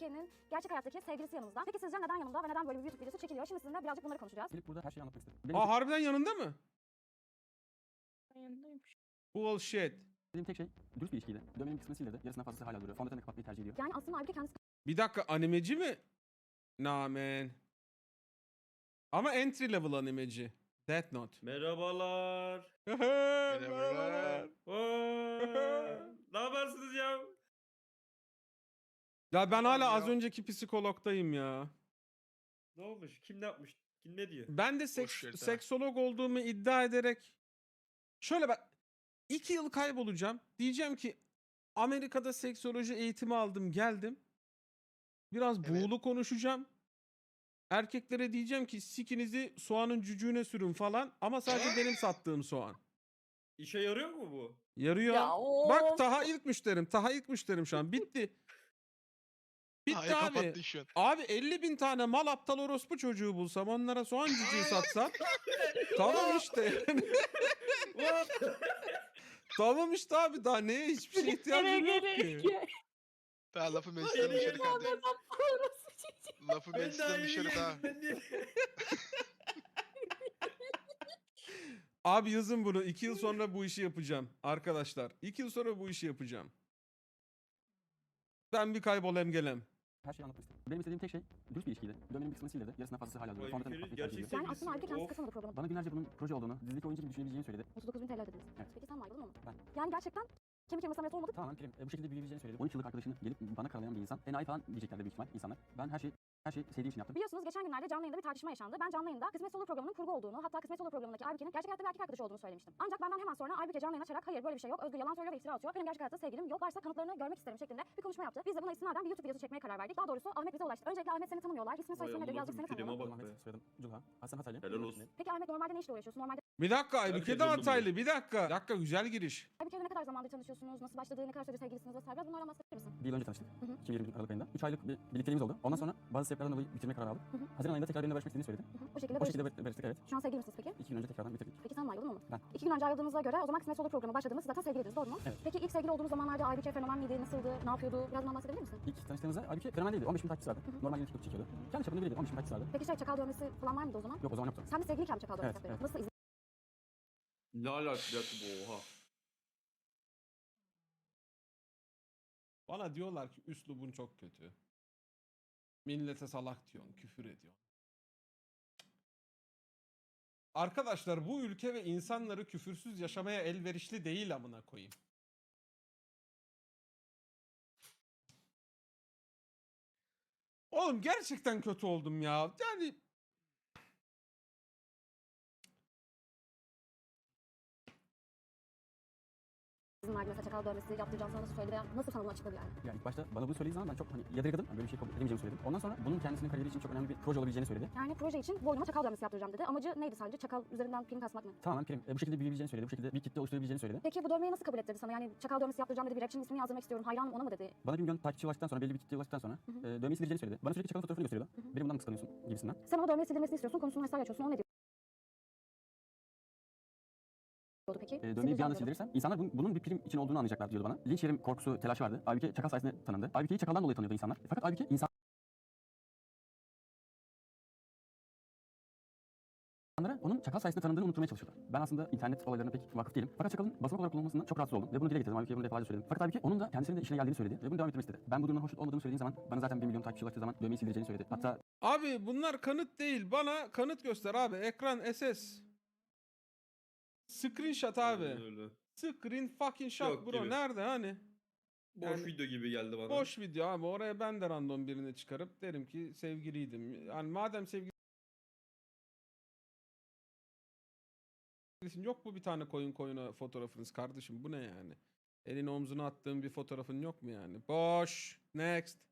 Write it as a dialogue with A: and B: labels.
A: Aybüke'nin gerçek hayattaki sevgilisi yanımızda. Peki sizce neden yanımda ve neden böyle bir YouTube videosu çekiliyor? Şimdi sizinle birazcık bunları konuşacağız.
B: Gelip burada her şeyi anlatmak istedim.
C: Aa, harbiden yanında mı?
D: Yanındaymış.
C: Bullshit.
B: Benim tek şey dürüst bir ilişkiydi. Dövmenin bir kısmını sildirdi. Yarısından fazlası hala duruyor. Fondötenle kapatmayı tercih ediyor.
A: Yani aslında Aybüke kendisi
C: Bir dakika, animeci mi? Nah man. Ama entry level animeci. Death Note.
E: Merhabalar.
C: Merhabalar.
E: Ne yaparsınız ya?
C: Ya ben hala
E: Ya.
C: az önceki psikologdayım ya.
E: Ne olmuş? Kim ne yapmış? Kim ne diyor?
C: Ben de
F: Boş ver sen.
C: seksolog olduğumu iddia ederek şöyle bak, 2 yıl kaybolacağım. Diyeceğim ki Amerika'da seksoloji eğitimi aldım, geldim. Biraz
F: Evet.
C: buğulu konuşacağım. Erkeklere diyeceğim ki sikinizi soğanın cücüğüne sürün falan, ama sadece benim sattığım soğan.
E: İşe yarıyor mu bu?
C: Yarıyor.
D: Ya of.
C: Bak Taha ilk müşterim. Taha ilk müşterim şu an. Bitti. Bitti
F: Hayır,
C: abi.
F: kapattın şu an.
C: Abi 50.000 tane mal aptal orospu çocuğu bulsam, onlara soğan cücüğü satsam. Tamam işte. Tamam işte abi, daha neye, hiçbir şeye ihtiyacım yok ki.
F: Daha lafı meclisten dışarı kaldı. Lafı
E: Ben
F: meclisten
E: daha
F: dışarı
E: yeni
F: daha.
E: geldim, ben de-
C: Abi yazın bunu. 2 yıl sonra bu işi yapacağım. Arkadaşlar 2 yıl sonra bu işi yapacağım. Ben bir kaybolayım gelem.
B: Her şeyi anlatmak istedim. Benim istediğim tek şey dürüst bir ilişkiydi. Dövmenin bir kısmını sildirdi. Yarısından fazlası hala duruyor. Fondötenle
E: Aybüke'nin
B: kapatmayı tercih
E: gerçek
B: ediyor.
A: yani aslında Aybüke kendisi
E: Of.
A: katılmadı programa.
B: Bana günlerce bunun proje olduğunu, dizideki oyuncu gibi düşünebileceğini söyledi.
A: 39.000 TL ödediniz.
B: Evet.
A: Peki sen mi ayrıldın onu?
B: Ben.
A: Yani gerçekten kemik kırması ameliyatı olmadı.
B: Tamamen prim. Bu şekilde büyüyebileceğini söyledi. 13 yıllık arkadaşını gelip bana karalayan bir insan. Enayi falan diyeceklerdi büyük ihtimal insanlar. Ben her şeyi sevdiğim için yaptım.
A: Biliyorsunuz geçen günlerde canlı yayında bir tartışma yaşandı. Ben canlı yayında Kısmet Olur programının kurgu olduğunu, hatta Kısmet Olur programındaki Aybüke'nin gerçek hayatta bir erkek arkadaşı olduğunu söylemiştim. Ancak benden hemen sonra Aybüke canlı yayına açarak hayır böyle bir şey yok, Özgür yalan söylüyor ve iftira atıyor. Benim gerçek hayatta sevgilim yok, varsa kanıtlarını görmek isterim şeklinde bir konuşma yaptı. Biz de buna istinaden bir YouTube videosu çekmeye karar verdik. Daha doğrusu Ahmet bize ulaştı. Öncelikle Ahmet seni tanımıyorlar. İsmin soy
E: Vay
A: ismin nedir? Birazcık
E: Allah'ım,
A: seni
E: filme
A: tanıyalım.
E: bak be.
B: Ahmet, soyadım Culha. Aslen Hataylı.
E: Helal olsun.
A: Peki Ahmet normalde ne işle uğraşıyorsun? Normalde
C: Bir dakika, Aybüke de
E: oldu bu.
C: Hataylı. Bir dakika. Bir dakika, güzel giriş.
A: Aybüke'yle ne kadar zamandır tanışıyorsunuz? Nasıl başladı? Ne kadar süredir sevgilisiniz vesaire? Biraz bunlardan bahsedebilir misin?
B: Bir yıl önce tanıştık.
A: Hı hı.
B: 2020 Aralık ayında. 3 aylık bir birlikteliğimiz oldu. Ondan sonra bazı sebeplerden dolayı bitirme kararı aldık. Haziran ayında tekrar benimle barışmak istediğini söyledi.
A: O şekilde
B: O
A: barış.
B: şekilde barıştık, evet.
A: Şu an sevgili misiniz peki?
B: 2 gün önce tekrardan bitirdik.
A: Peki sen mi ayrıldın onu?
B: Ben.
A: 2 gün önce ayrıldığınıza göre o zaman Kısmet Olur programı başladığınız zaten sevgiliydiniz, doğru mu?
B: Evet.
A: Peki ilk sevgili olduğunuz zamanlarda Aybüke fenomen miydi? Nasıldı? Ne yapıyordu? Biraz bundan bahsedebilir misin?
B: İlk tanıştığımızda Aybüke fenomen değildi. 15 bin takipçisi vardı. Normal yeni TikTok çekiyordu. Kendi çapında biriydi. 15 bin takipçisi vardı.
A: Peki çakal dövmesi falan var mıydı o zaman?
B: Yok, o zaman yoktu.
A: Sen de sevgiliyken mi çakal dövmesi
B: Evet,
A: yapıyordun? Nasıl
E: Ne alakası bu, oha.
C: Bana diyorlar ki üslubun çok kötü. Millete salak diyorsun, küfür ediyorsun. Arkadaşlar bu ülke ve insanları küfürsüz yaşamaya elverişli değil, amına koyayım. Oğlum gerçekten kötü oldum ya. Yani
A: izin verdi mesela çakal dövmesi yaptıracağım sana nasıl söyledi veya nasıl sana bunu açıkladı yani?
B: Yani ilk başta bana bunu söylediği zaman ben çok yadırgadım. Yani böyle bir şey kabul edemeyeceğimi söyledim. Ondan sonra bunun kendisinin kariyeri için çok önemli bir proje olabileceğini söyledi.
A: Yani proje için boynuma çakal dövmesi yaptıracağım dedi. Amacı neydi sadece? Çakal üzerinden prim kasmak mı?
B: Tamamen prim. Bu şekilde büyüyebileceğini söyledi. Bu şekilde bir kitle oluşturabileceğini söyledi.
A: Peki bu dövmeyi nasıl kabul ettirdi sana? Yani çakal dövmesi yaptıracağım dedi. Bir rapçinin ismini yazdırmak istiyorum. Hayranım ona mı dedi?
B: Bana 1 milyon takipçi ulaştıktan sonra, belli bir kitleye ulaştıktan sonra dövmeyi sildireceğini söyledi. Bana sürekli çakalın fotoğrafını gösteriyordu. Beni bundan mı kıskanıyorsun gibisinden.
A: Sen o dövmeyi sildirmesini istiyorsun. Konusunu vesaire açıyorsun. O ne diyordu peki?
B: Dövmeyi bir
A: Sildireceğim
B: anda
A: diyordu.
B: sildirirsem insanlar bunun bir prim için olduğunu anlayacaklar diyordu bana. Linç yerim korkusu, telaşı vardı. Aybüke çakal sayesinde tanındı. Aybüke'yi çakaldan dolayı tanıyordu insanlar. Fakat Aybüke insanlara onun çakal sayesinde tanındığını unutturmaya çalışıyorlar. Ben aslında internet olaylarına pek vakıf değilim. Fakat çakalın basın olarak kullanılmasından çok rahatsız oldum. Ve bunu dile getirdim. Aybüke'ye bunu defalarca söyledim. Fakat Aybüke onun da kendisinin de işine geldiğini söyledi. Ve bunu devam ettirmek istedi. Ben bu durumdan hoşnut olmadığımı söylediğim zaman bana zaten 1 milyon takipçi ulaştığı zaman dövmeyi sildireceğini söyledi. Hatta
C: abi bunlar kanıt değil. Bana kanıt göster abi. Ekran SS. Screenshot abi.
E: Aynen öyle.
C: Screen fucking shot
E: Yok
C: bro.
E: gibi.
C: Nerede hani?
E: Boş
C: Yani-
E: video gibi geldi bana.
C: Boş video abi. Oraya ben de random birini çıkarıp derim ki sevgiliydim. Yani madem sevgilisin, yok mu bir tane koyuna fotoğrafınız kardeşim? Bu ne yani? Elini omzuna attığın bir fotoğrafın yok mu yani? Boş. Next.